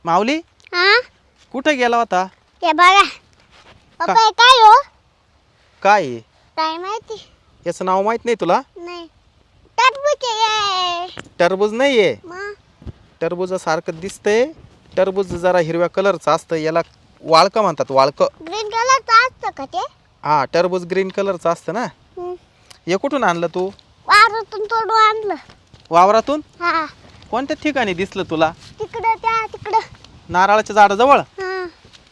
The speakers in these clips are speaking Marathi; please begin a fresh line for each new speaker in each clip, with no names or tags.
माऊली
हा
कुठे गेला होता?
ते बघा पप्पा हे काय हो
काय आहे?
काय माहिती
याचं नाव माहित नाही तुला?
नाही टरबूज आहे
टरबूज नाहीये.
मग
टरबूजासारखं दिसतंय. टरबूज जरा हिरव्या कलरचं असतं. याला वाळकं म्हणतात, वाळकं.
ग्रीन कलरचं असतं का ते
हा, टरबूज ग्रीन कलरचं असतं ना. हे कुठून आणलं तू?
वावरातून तोडून आणलं.
वावरातून?
हा
कोणत्या ठिकाणी दिसलं तुला?
तिकडं
नारळाच्या झाडाजवळ?
हा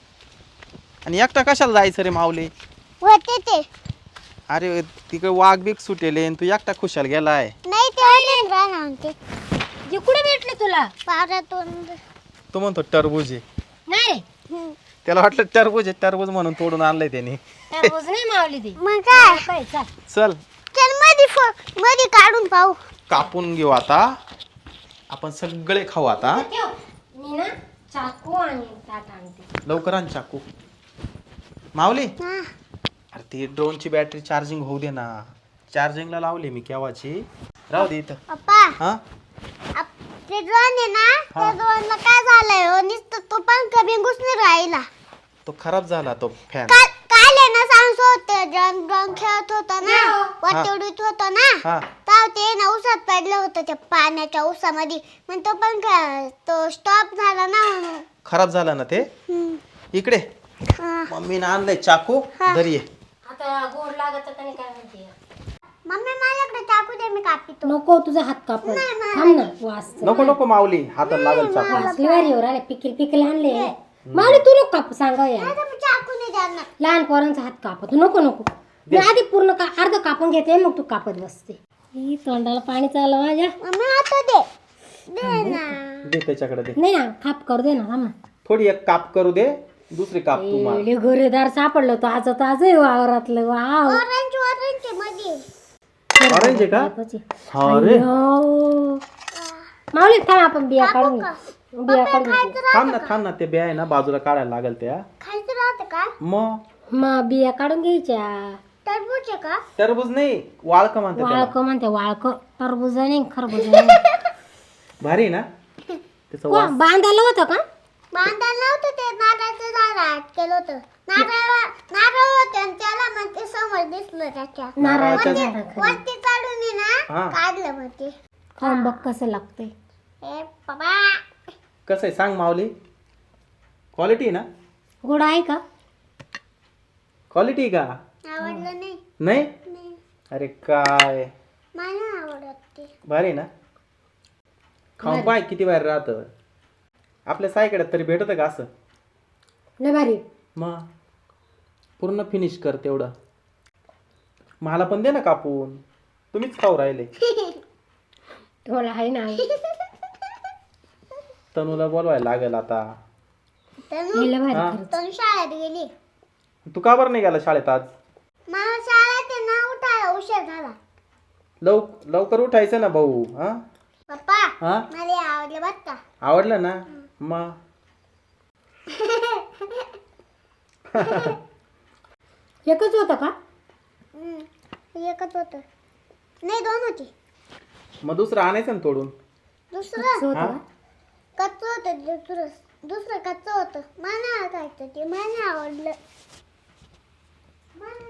आणि एकटा कशाला जायचं रे माऊली?
होते ते
अरे तिकडे वाघ बिग सुटेले आणि तू एकटा खुशाल गेलाय.
नाही ते होते राहणार म्हणते
जे कुठे भेटले तुला?
वावरातून
तो म्हणतो टरबूज आहे.
नाही रे,
त्याला वाटलं टरबूज आहे, टरबूज म्हणून तोडून आणलंय त्याने.
टरबूज नाही मावली ती.
मग काय
काय चाल.
चल
चल मध्ये काढून पाहू.
कापून घेऊ आता. आपण सगळे खाऊ आता.
ठेव. मी ना चाकू आणि ताट आणते.
लवकर आण चाकू. माऊली,
हा
अरे ती ड्रोनची बॅटरी चार्जिंग होऊ दे ना. चार्जिंगला लावली मी केव्हाची. राहू दे इथं.
पप्पा
हा
ते ड्रोन आहे ना त्या ड्रोनला काय झालंय हो नुसतं तो पंखा बिंगूच नाही राहिला.
तो खराब झाला तो फॅन.
काल आहे ना सांगतो होते ड्रोन खेळत होता ना वरती उडीत होता ना
हा
तर ते ना उसात पडलं होतं त्या पाण्याच्या उसामध्ये मग तो पंखा तो स्टॉप झाला ना म्हणून.
खराब झाला ना ते. इकडे
हा.
मम्मीने आणलंय चाकू.
हा.
दरी ये.
आता गोड लागत का नाही काय म्हणते.
मम्मी माझ्याकडे चाकू दे मी कापितो.
नको तुझा हात कापड. थांब ना वास.
नको नको माऊली, हातात लागल चाकू.
वासली वारी वर आले पिकल आणले. मावली तू नको काप सांगा या.
आता मी चाकू नाही देणार.
लहान पोरांचा हात कापत नको नको. मी आधी पूर्ण अर्ध कापून घेते मग तू कापत बसते. ही तोंडाला पाणी चाललं माझ्या.
मम्मी आता दे दे ना.
दे त्याच्याकडे दे.
नाही ना काप करू दे ना थांब ना.
थोडी एक काप करू दे, दुसरी काप तू मार.
एवढे घरेदार सापडलं तो आज आहे वावरातलं. वाव
ऑरेंज मध्ये
ऑरेंज आहे का? हा रे.
माऊली थांब आपण बिया काढून घेऊ. बिया काढून घेऊ.
थांब ना ते बे आहे ना बाजूला काढायला लागल त्या.
खायचं राहतं का
मग
बिया काढून घ्यायच्या.
टरबूज आहे का
टरबूज नाही, वाळक म्हणतात त्याला.
वाळक म्हणते वाळक. टरबूज नाही खरबूज नाही.
भारी आहे ना त्याचं वास.
बांधायला होतं का?
बांधायला नव्हतं ते नारळाचं झाड आत केलं होतं नारळ होते आणि त्याला मग ते समोर दिसलं त्याच्या
नारळाच्या झाडाखाली.
वरती काढून ये ना
हा.
काढलं मग ते
खाऊन बघ कसं लागतंय.
ए बाबा
कसं आहे सांग माऊली? क्वालिटी आहे ना?
गोड आहे का?
क्वालिटी का?
आवडलं नाही
नाही?
नाही
अरे काय
मला आवडत ते
भारी आहे ना. खाऊन पाय किती बाहेर राहतं. आपल्या साईकडे तरी भेटत का असं?
नाही भारी.
मग पूर्ण फिनिश कर तेवढं. मला पण दे ना कापून. तुम्हीच खाऊ राहिले.
थोडा आहे ना.
तनूला बोलवायला लागेल आता.
लय भारी
हा.
खरंच.
तनु शाळेत गेली
तू का बरं नाही गेला शाळेत आज?
मला शाळेत आहे ना उठायला उशीर झाला
लवकर उठायचं ना भाऊ. हा
पप्पा
हा
मला आवडलं बरं का
आवडलं ना. मग
एकच होतं का?
एकच होतं नाही दोन होती
मग दुसरं आणायचं ना तोडून.
दुसरं
होतं
हा?
का?
कच्चं होतं दुसरं कच्चं होतं मला खायचं ते मला आवडलं मला